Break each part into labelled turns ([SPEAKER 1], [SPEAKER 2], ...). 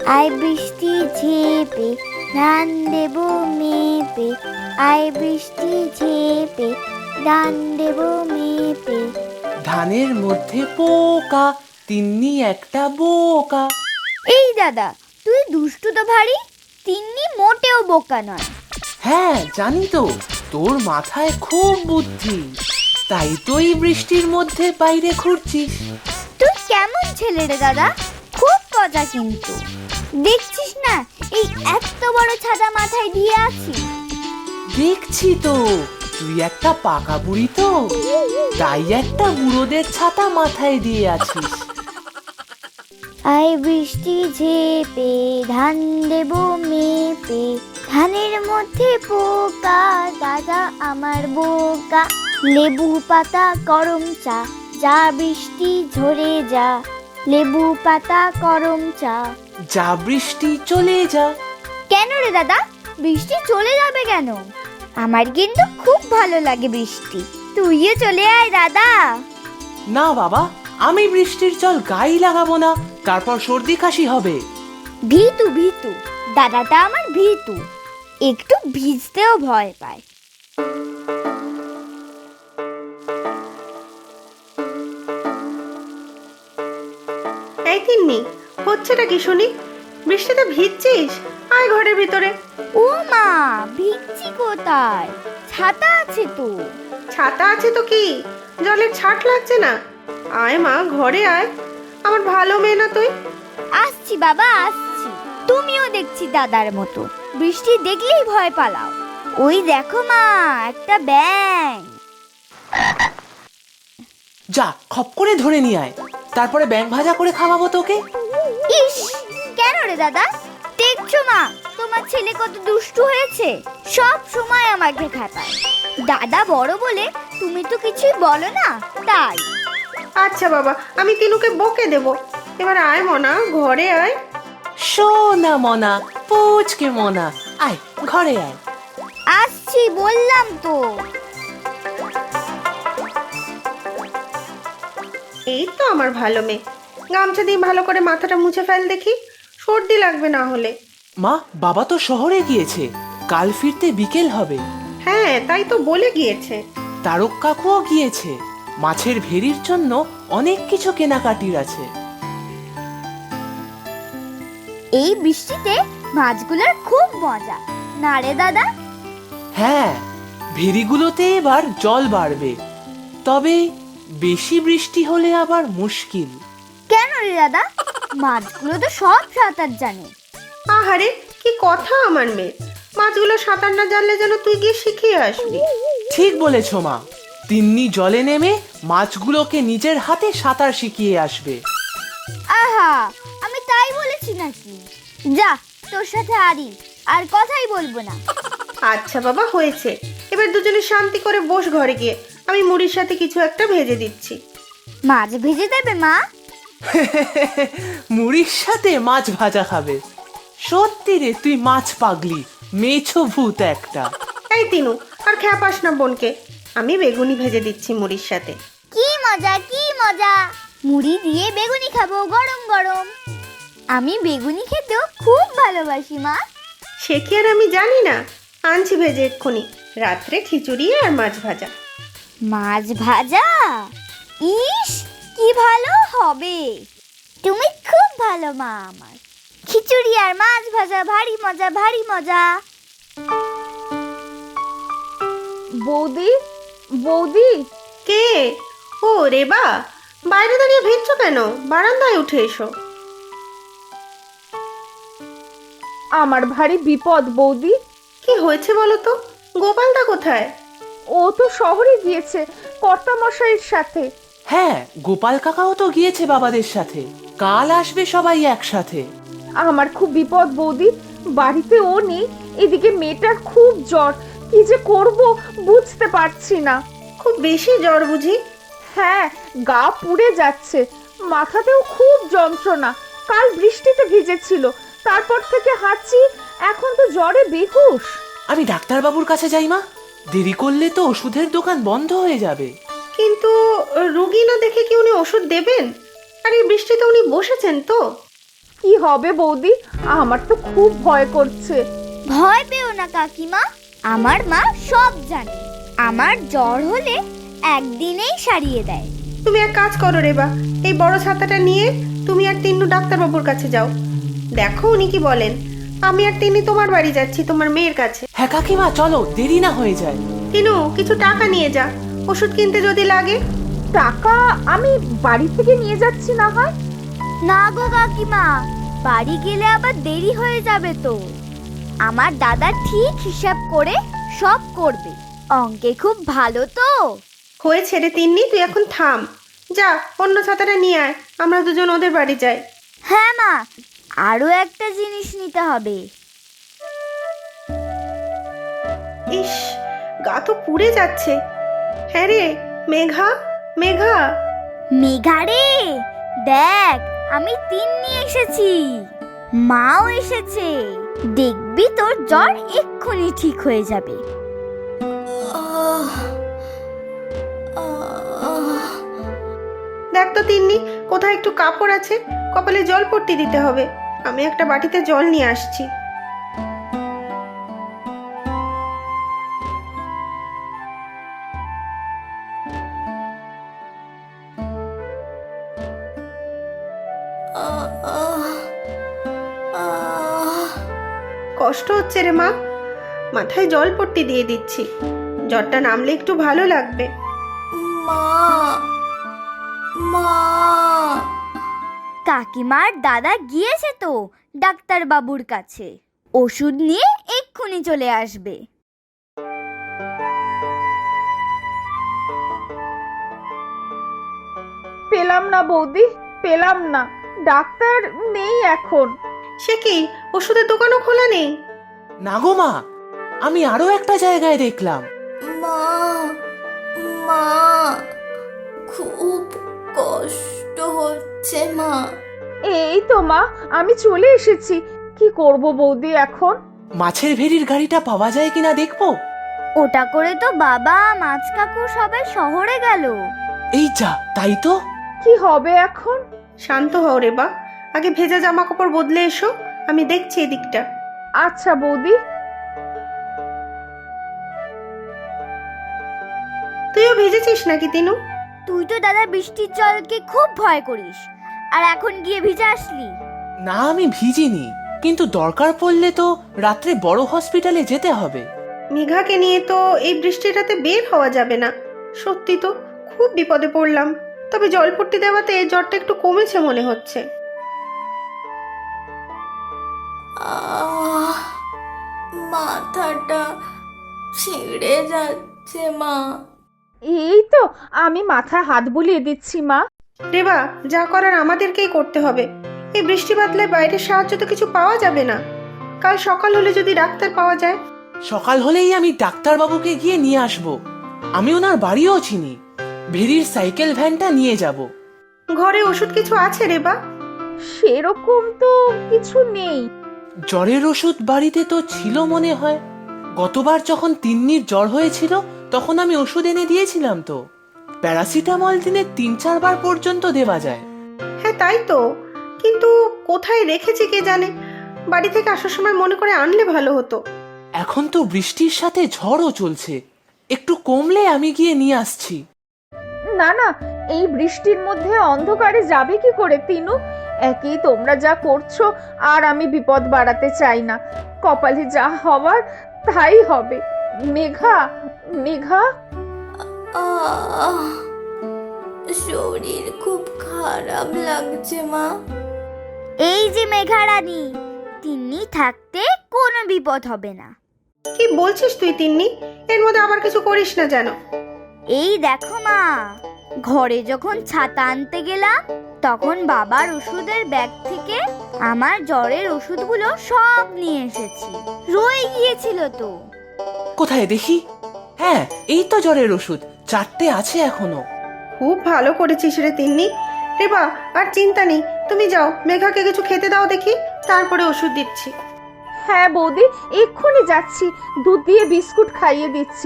[SPEAKER 1] I বৃষ্টি ঝেপে ধান দেব মেপে, আই বৃষ্টি ঝেপে ধান দেব মেপে।
[SPEAKER 2] ধানের মধ্যে পোকা, তিন্নি একটা বোকা।
[SPEAKER 1] এই দাদা, তুই দুষ্টু তো ভারী। তিন্নি মোটেও বোকা নয়।
[SPEAKER 2] হ্যাঁ জানি তো, তোর মাথায় খুব বুদ্ধি, তাই তো এই বৃষ্টির মধ্যে বাইরে ঘুরছিস।
[SPEAKER 1] তুই কেমন ছেলে রে দাদা, খুব মজা কিন্তু। দেখছিস না এই এত বড় ছাতা মাথায় দিয়ে আছি।
[SPEAKER 2] দেখছি তো, তুই একটা পাকা বুড়ি তো, তাই একটা বুড়োদের ছাতা মাথায় দিয়ে আছিস।
[SPEAKER 1] আই বৃষ্টি ঝেপে ধান দেব মেপে, ধানের মধ্যে পোকা দাদা আমার বোকা। লেবু পাতা গরম চা, যা বৃষ্টি ঝরে যা। লেবু পাতা গরম চা।
[SPEAKER 2] যা বৃষ্টি চলে যা।
[SPEAKER 1] কেন রে দাদা, বৃষ্টি চলে যাবে কেন? আমার কিন্তু খুব ভালো লাগে বৃষ্টি। তুইও চলে আয় দাদা।
[SPEAKER 2] না বাবা, আমি বৃষ্টির জল গায়ে লাগাবো না, তারপর সর্দি কাশি হবে।
[SPEAKER 1] ভীতু ভীতু, দাদাটা আমার ভীতু, একটু ভিজতেও ভয় পায়।
[SPEAKER 3] এই তিন্নি, হচ্ছেটা কি শুনি? বৃষ্টিতে ভিজছিস? আয় ঘরের ভিতরে।
[SPEAKER 1] ও মা, ভিজছি কোথায়? ছাতা আছে তো।
[SPEAKER 3] ছাতা আছে তো কি, জলের ছাট লাগছে না? আয় মা, ঘরে আয়। আমার ভালো মেয়ে না তুই?
[SPEAKER 1] আসছি বাবা আসছি। তুমিও দেখছি দাদার মতো বৃষ্টি দেখলেই ভয় পালাও। ওই দেখো মা, একটা ব্যাঙ।
[SPEAKER 2] যা খপ করে ধরে নিয়ে আয়, তারপরে ব্যাঙ ভাজা করে খাওয়াবো তোকে।
[SPEAKER 1] ইস, কেন রে দাদা? দেখছো মা, তোমার ছেলে কত দুষ্টু হয়েছে, সব সময় আমাকে খাতায়। দাদা বড় বলে তুমি তো কিছুই বলো না, তাই।
[SPEAKER 3] আচ্ছা বাবা, আমি তিনুকে বকে দেব। এবার আয় মনা, ঘরে আয়।
[SPEAKER 2] সোনা মনা, পুচকে মনা, আয় ঘরে আয়।
[SPEAKER 1] আসছি বললাম তো।
[SPEAKER 3] এই তো আমার ভালো মেয়ে। গামছা দিয়ে ভালো করে মাথাটা মুছে ফেল দেখি, সর্দি লাগবে না হলে।
[SPEAKER 2] মা, বাবা তো শহরে গিয়েছে, কাল ফিরতে বিকেল হবে।
[SPEAKER 3] হ্যাঁ, তাই তো বলে গিয়েছে।
[SPEAKER 2] তারক কাকুও গিয়েছে, মাছের ভেরির জন্য অনেক কিছু কেনাকাটির আছে।
[SPEAKER 1] এই বৃষ্টিতে মাছগুলোর খুব মজা, না রে দাদা?
[SPEAKER 2] হ্যাঁ, ভেরিগুলোতে এবার জল বাড়বে, তবে বেশি বৃষ্টি হলে আবার মুশকিল।
[SPEAKER 1] কেন রে দাদা? মাছগুলো তো সব সাঁতার জানে।
[SPEAKER 3] আহারে, কি কথা আমার মেয়ে! মাছগুলো সাঁতার না জানলে যেন তুই গিয়ে শিখিয়ে আসবি।
[SPEAKER 2] ঠিক বলেছ মা, তিন্নি জলে নেমে মাছগুলোকে নিজের হাতে সাঁতার শিখিয়ে আসবে।
[SPEAKER 1] আহা, আমি তাই বলেছি নাকি? যা, তোর সাথে আর কথাই বলবো না।
[SPEAKER 3] আচ্ছা বাবা, হয়েছে। এবার দুজনে শান্তি করে বস ঘরে গিয়ে, আমি মুড়ির সাথে কিছু একটা ভেজে দিচ্ছি।
[SPEAKER 1] মাছ ভেজে দেবে মা?
[SPEAKER 2] মুড়ির সাথে মাছ ভাজা খাবে? সত্যি রে, তুই মাছ পাগলি, মেছো ভূত একটা।
[SPEAKER 3] এই তিনু, আর খ্যাপাস না বোনকে। আমি বেগুনি ভেজে দিচ্ছি মুড়ির সাথে।
[SPEAKER 1] কি মজা কি মজা, মুড়ি দিয়ে বেগুনি খাবো গরম গরম। আমি বেগুনি খেতেও খুব ভালোবাসি মা।
[SPEAKER 3] সে কি আর আমি জানি না? আনছি ভেজে এক্ষুনি, রাত্রে খিচুড়ি আর মাছ ভাজা।
[SPEAKER 1] মাছ ভাজা? ইস, কি ভালো হবে। তুমি খুব ভালো মা আমার। খিচুড়ি আর মাছ ভাজা ভারী মজা ভারী মজা।
[SPEAKER 4] বৌদি, বৌদি।
[SPEAKER 3] কে? ও রেবা, বাইরে দাঁড়িয়ে ভিজছো কেন? বারান্দায় উঠে এসো।
[SPEAKER 4] আমার ভারী বিপদ বৌদি।
[SPEAKER 3] কি হয়েছে বলো তো? গোপালদা কোথায়?
[SPEAKER 4] ও তো শহরে গিয়েছে কর্তামশাইয়ের সাথে।
[SPEAKER 2] হ্যাঁ, গোপাল কাকাও তো গিয়েছে বাবাদের সাথে, কাল আসবে সবাই একসাথে।
[SPEAKER 4] আমার খুব বিপদ বৌদি, বাড়িতে ও নেই, এদিকে মেয়েটার খুব জ্বর, কি যে করব বুঝতে পারছি না।
[SPEAKER 3] খুব বেশি জ্বর বুঝি?
[SPEAKER 4] হ্যাঁ, গা পুড়ে যাচ্ছে, মাথাতেও খুব যন্ত্রণা। কাল বৃষ্টিতে ভিজেছিল, তারপর থেকে হাঁচি, এখন তো জ্বরে বেহুশ।
[SPEAKER 2] আমি ডাক্তারবাবুর কাছে যাই মা, দেরি করলে তো ওষুধের দোকান বন্ধ হয়ে যাবে।
[SPEAKER 3] কিন্তু রুগী না দেখে কি উনি ওষুধ দেবেন? আর এই বৃষ্টিতে উনি বসেছেন তো।
[SPEAKER 4] কি হবে বৌদি? আমার তো খুব ভয় করছে।
[SPEAKER 1] ভয় পেও না কাকিমা, আমার মা সব জানে। আমার জ্বর হলে একদিনেই সারিয়ে দেয়।
[SPEAKER 3] তুমি এক কাজ করো রেবা, এই বড় ছাতাটা নিয়ে তুমি আর তিন্নু ডাক্তারবাবুর কাছে যাও, দেখো উনি কি বলেন। আমি আর তিন্নি তোমার বাড়ি যাচ্ছি, তোমার মেয়ের কাছে।
[SPEAKER 2] হ্যাঁ কাকিমা, চলো, দেরি না হয়ে যায়।
[SPEAKER 3] তিনু, কিছু টাকা নিয়ে যা, ওষুধ কিনতে যদি লাগে।
[SPEAKER 4] টাকা আমি বাড়ি থেকে নিয়ে যাচ্ছি না হয়।
[SPEAKER 1] না গো কাকিমা, বাড়ি গেলে আবার দেরি হয়ে যাবে তো। আমার দাদা ঠিক হিসাব করে সব করবে, অঙ্কে খুব ভালো তো।
[SPEAKER 3] হয়েছে রে তিন্নি, তুই এখন থাম, যা অন্য ছাতাটা নিয়ে আয়, আমরা দুজন ওদের বাড়ি যাই।
[SPEAKER 1] হ্যাঁ মা, আরো একটা জিনিস নিতে হবে।
[SPEAKER 3] ইস, গা তো পুড়ে যাচ্ছে। হ্যাঁ রে মেঘা, মেঘা।
[SPEAKER 1] মেঘা রে, দেখ আমি তিন্নি এসেছি, মাও এসেছে। দেখবি তোর জ্বর এক্ষুনি ঠিক হয়ে যাবে।
[SPEAKER 3] দেখ তো তিন্নি, কোথায় একটু কাপড় আছে, কপালে জল পট্টি দিতে হবে। আমি একটা বাটিতে জল নিয়ে আসছি। কষ্ট হচ্ছে রে মা, মাথায় জল পট্টি দিয়ে দিচ্ছি, জ্বরটা নামলে একটু ভালো লাগবে।
[SPEAKER 1] কাকিমার দাদা গিয়েছে তো ডাক্তার বাবুর কাছে, ওষুধ নিয়ে এক্ষুনি চলে আসবে।
[SPEAKER 4] পেলাম না বৌদি, পেলাম না। ডাক্তার নেই এখন।
[SPEAKER 3] সে কি, ওষুধের দোকানও খোলা নেই?
[SPEAKER 2] না গো মা, আমি আরো একটা জায়গায় দেখলাম।
[SPEAKER 5] মা, মা, খুব কষ্ট হচ্ছে মা।
[SPEAKER 4] এই তো মা, আমি চলে এসেছি। কি করব বৌদি এখন?
[SPEAKER 2] মাছের ভেড়ির গাড়িটা পাওয়া যায় কিনা দেখবো।
[SPEAKER 1] ওটা করে তো বাবা, মাছ কাকু সবাই শহরে গেল।
[SPEAKER 2] এই যা, তাই তো।
[SPEAKER 4] কি হবে এখন?
[SPEAKER 3] শান্ত হও রে বা, আগে ভেজা জামা কাপড় বদলে এসো, আমি দেখছি এদিকটা।
[SPEAKER 4] আচ্ছা বৌদি।
[SPEAKER 3] তুইও ভিজেছিস নাকি তিনু?
[SPEAKER 1] তুই তো দাদা বৃষ্টির জলকে খুব ভয় করিস, আর এখন গিয়ে ভিজে আসলি।
[SPEAKER 2] না, আমি ভিজিনি, কিন্তু দরকার পড়লে তো রাত্রে বড় হসপিটালে যেতে হবে।
[SPEAKER 3] মেঘাকে নিয়ে তো এই বৃষ্টির রাতে বের হওয়া যাবে না। সত্যি তো খুব বিপদে পড়লাম। তবে জলপট্টি দেওয়াতে জ্বরটা একটু কমেছে মনে হচ্ছে।
[SPEAKER 5] মাথাটা ছিঁড়ে যাচ্ছে মা।
[SPEAKER 4] এই তো আমি মাথায় হাত বুলিয়ে দিচ্ছি মা।
[SPEAKER 3] রেবা, যা করার আমাদেরকেই করতে হবে। এই বৃষ্টি বাদলায় বাইরের সাহায্য তো কিছু পাওয়া যাবে না। কাল সকাল হলে যদি ডাক্তার পাওয়া যায়।
[SPEAKER 2] সকাল হলেই আমি ডাক্তারবাবুকে গিয়ে নিয়ে আসব। আমি ওনার বাড়িও চিনি, ভেড়ির সাইকেল ভ্যানটা নিয়ে যাব।
[SPEAKER 3] ঘরে ওষুধ কিছু আছে রেবা?
[SPEAKER 4] সেরকম তো কিছু নেই।
[SPEAKER 2] জ্বরের ওষুধ বাড়িতে তো ছিল মনে হয়। গতবার যখন তিন্নির জ্বর হয়েছিল তখন আমি ওষুধ এনে দিয়েছিলাম তো। প্যারাসিটামল দিনে 3-4 বার পর্যন্ত দেওয়া যায়।
[SPEAKER 3] হ্যাঁ তাই তো, কিন্তু কোথায় রেখেছি কে জানে। বাড়ি থেকে আসার সময় মনে করে আনলে ভালো হতো।
[SPEAKER 2] এখন তো বৃষ্টির সাথে ঝড়ও চলছে, একটু কমলে আমি গিয়ে নিয়ে আসছি।
[SPEAKER 4] না না, এই বৃষ্টির মধ্যে অন্ধকারে যাবে কি করে তিনু? একই তোমরা যা করছো, আর আমি বিপদ বাড়াতে চাই না। কপালে যা হওয়ার তাই হবে। মেঘা, মেঘা।
[SPEAKER 5] আহ, শরীর খুব খারাপ লাগছে মা।
[SPEAKER 1] এই যে মেঘা রানী, তিন্নি থাকতে কোনো বিপদ হবে না।
[SPEAKER 3] কি বলছিস তুই তিন্নি? এর মধ্যে আবার কিছু করিস না যেন।
[SPEAKER 1] এই দেখো মা, ঘরে যখন ছাতা আনতে গেলাম তখন বাবার ওষুধের ব্যাগ থেকে আমার জ্বরের ওষুধগুলো সব নিয়ে এসেছি। রয়ে গিয়েছিল তো।
[SPEAKER 2] কোথায় দেখি? হ্যাঁ, এই তো জ্বরের ওষুধ, 4টে আছে এখনো।
[SPEAKER 3] খুব ভালো করেছিস রে তিন্নি। রেবা, আর চিন্তা নেই, তুমি যাও মেঘাকে কিছু খেতে দাও দেখি, তারপরে ওষুধ দিচ্ছি।
[SPEAKER 4] হ্যাঁ বৌদি, এক্ষুনি যাচ্ছি, দুধ দিয়ে বিস্কুট খাইয়ে দিচ্ছি।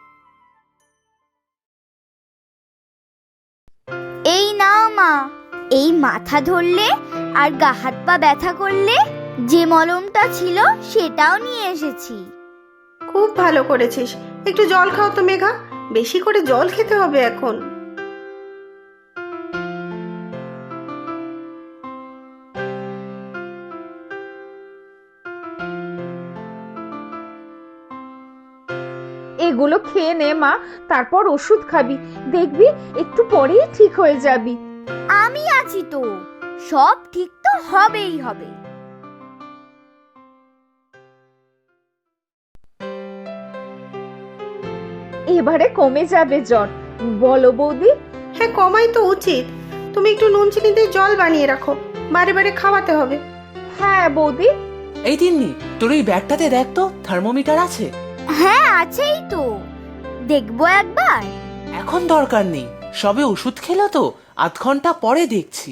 [SPEAKER 1] এই নাও মা, এই মাথা ধরলে আর গা হাত পা ব্যথা করলে যে মলমটা ছিল সেটাও নিয়ে এসেছি।
[SPEAKER 3] খুব ভালো করেছিস। একটু জল খাও তো মেঘা, বেশি করে জল খেতে হবে এখন।
[SPEAKER 4] এগুলো খেয়ে নে মা, তারপর ওষুধ খাবি, দেখবি একটু পরেই ঠিক হয়ে যাবি।
[SPEAKER 1] আমি আছি তো, সব ঠিক তো হবেই হবে।
[SPEAKER 4] এবারে কমে যাবে জ্বর, বলো বৌদি?
[SPEAKER 3] হ্যাঁ, কমাই তো উচিত। তুমি একটু নুন চিনি দিয়ে জল বানিয়ে রাখো, বারে বারে খাওয়াতে হবে।
[SPEAKER 4] হ্যাঁ বৌদি।
[SPEAKER 2] এই তিন্নি, তোর এই ব্যাগটাতে দেখ তো থার্মোমিটার আছে?
[SPEAKER 1] হ্যাঁ আছেই তো, দেখবো একবার।
[SPEAKER 2] এখন দরকার নেই, সবে ওষুধ খেলো তো, আধ ঘন্টা পরে দেখছি।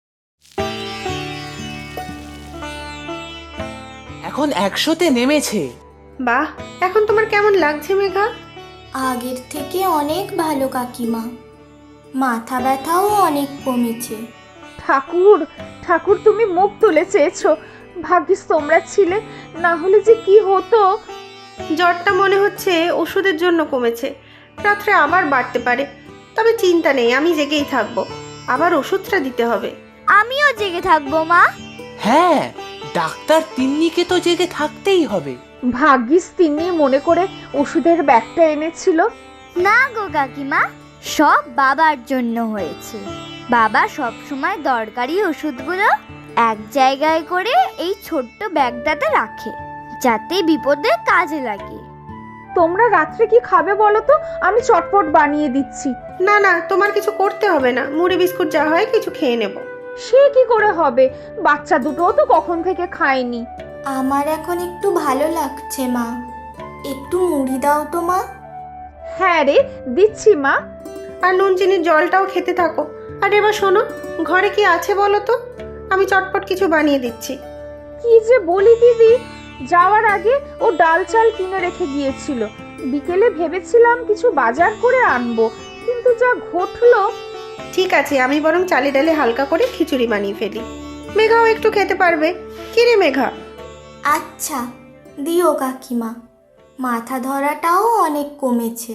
[SPEAKER 2] এখন 100-তে নেমেছে।
[SPEAKER 3] বাহ, এখন তোমার কেমন লাগছে মেঘা?
[SPEAKER 5] আগের থেকে অনেক ভালো কাকিমা, মাথা ব্যথাও অনেক কমেছে।
[SPEAKER 4] ঠাকুর ঠাকুর, তুমি মুখ তুলে চেয়েছো, ভাগ্যিস তোমরা ছিলে, না হলে যে কি হতো।
[SPEAKER 3] জ্বরটা মনে হচ্ছে ওষুধের জন্য কমেছে, রাত্রে আবার বাড়তে পারে। তবে চিন্তা নেই, আমি জেগেই থাকবো, আবার ওষুধটা দিতে হবে।
[SPEAKER 1] আমিও জেগে থাকবো মা।
[SPEAKER 2] হ্যাঁ, ডাক্তার তিন্নিকে তো জেগে থাকতেই হবে।
[SPEAKER 4] ভাগ্যিস তিনি মনে করে ওষুধের ব্যাগটা এনেছিল।
[SPEAKER 1] না গো কাকিমা, সব বাবার জন্য হয়েছে। বাবা সব সময় দরকারি ওষুধগুলো এক জায়গায় করে এই ছোট্ট ব্যাগটাতে রাখে, যাতে বিপদে কাজে লাগে।
[SPEAKER 4] তোমরা রাত্রে কি খাবে বলো তো, আমি চটপট বানিয়ে দিচ্ছি।
[SPEAKER 3] না না, তোমার কিছু করতে হবে না, মুড়ি বিস্কুট যা হয় কিছু খেয়ে নেব।
[SPEAKER 4] সে কি করে হবে, বাচ্চা দুটোও তো কখন থেকে খায়নি।
[SPEAKER 5] আমার এখন একটু ভালো লাগছে মা, একটু মুড়ি দাও তো মা।
[SPEAKER 4] হ্যাঁ রে, দিচ্ছি মা।
[SPEAKER 3] আর নুন চিনির জলটাও খেতে থাকো। আর এবার শোনো, ঘরে কি আছে বলো তো, আমি চটপট কিছু বানিয়ে দিচ্ছি।
[SPEAKER 4] কি যে বলি দিদি, যাওয়ার আগে ও ডাল চাল কিনে রেখে গিয়েছিল, বিকেলে ভেবেছিলাম কিছু বাজার করে আনবো, কিন্তু যা ঘটলো।
[SPEAKER 3] ঠিক আছে, আমি বরং চালে ডালে হালকা করে খিচুড়ি বানিয়ে ফেলি, মেঘাও একটু খেতে পারবে। কি রে মেঘা?
[SPEAKER 5] আচ্ছা দিও কাকিমা, মাথা ধরাটাও অনেক কমেছে।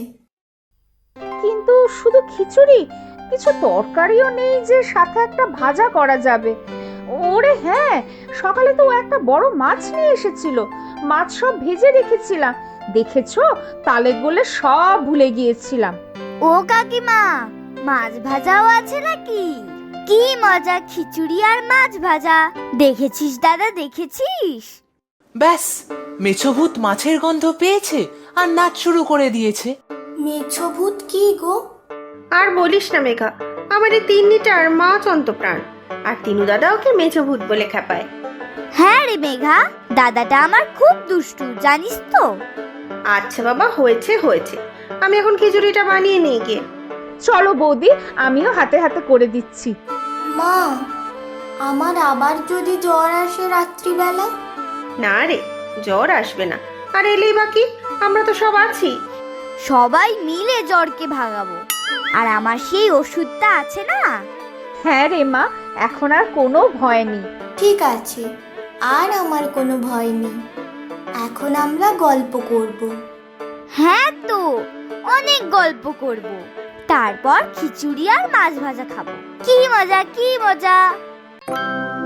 [SPEAKER 4] কিন্তু শুধু খিচুড়ি, কিছু তরকারিও নেই যে সাথে একটা ভাজা করা যাবে। ওরে হ্যাঁ, সকালে তো ও একটা বড় মাছ নিয়ে এসেছিল, মাছ সব ভেজে রেখেছিলাম, দেখেছো, তালে গোলে সব ভুলে গিয়েছিলাম।
[SPEAKER 1] ও কাকিমা, মাছ ভাজাও আছে নাকি? কি মজা, খিচুড়ি আর মাছ ভাজা। দেখেছিস দাদা, দেখেছিস?
[SPEAKER 2] ব্যাস, মেছভূত মাছের গন্ধ পেয়েছে আর নাচ শুরু করে দিয়েছে।
[SPEAKER 5] মেছো ভূত কি গো?
[SPEAKER 3] আর বলিস না মেঘা, আমার এই তিন্নিটার মা চন্তপ্রাণ, আর তিনু দাদা ওকে মেজভূত বলে খেপায়।
[SPEAKER 1] হ্যাঁ রে মেঘা, দাদাটা আমার খুব দুষ্টু, জানিস তো।
[SPEAKER 3] আচ্ছা বাবা, হয়েছে হয়েছে, আমি এখন খিচুড়িটা বানিয়ে নিয়ে গিয়ে।
[SPEAKER 4] চলো বৌদি, আমিও হাতে হাতে করে দিচ্ছি।
[SPEAKER 5] মা, আমার আবার যদি জ্বর আসে রাত্রিবেলা?
[SPEAKER 3] না রে, জ্বর আসবে না, আর এলেই বাকি, আমরা তো সব আছি।
[SPEAKER 1] সবাই মিলে জ্বরকে ভাগাবো। আর আমার সেই ওষুধটা আছে না।
[SPEAKER 4] হ্যাঁ রে মা, এখন আর কোনো ভয় নেই।
[SPEAKER 5] ঠিক আছে, আর আমার কোনো ভয় নেই। এখন আমরা গল্প করব।
[SPEAKER 1] হ্যাঁ তো, অনেক গল্প করব, তারপর খিচুড়ি আর মাছ ভাজা খাবো। কি মজা, কি মজা।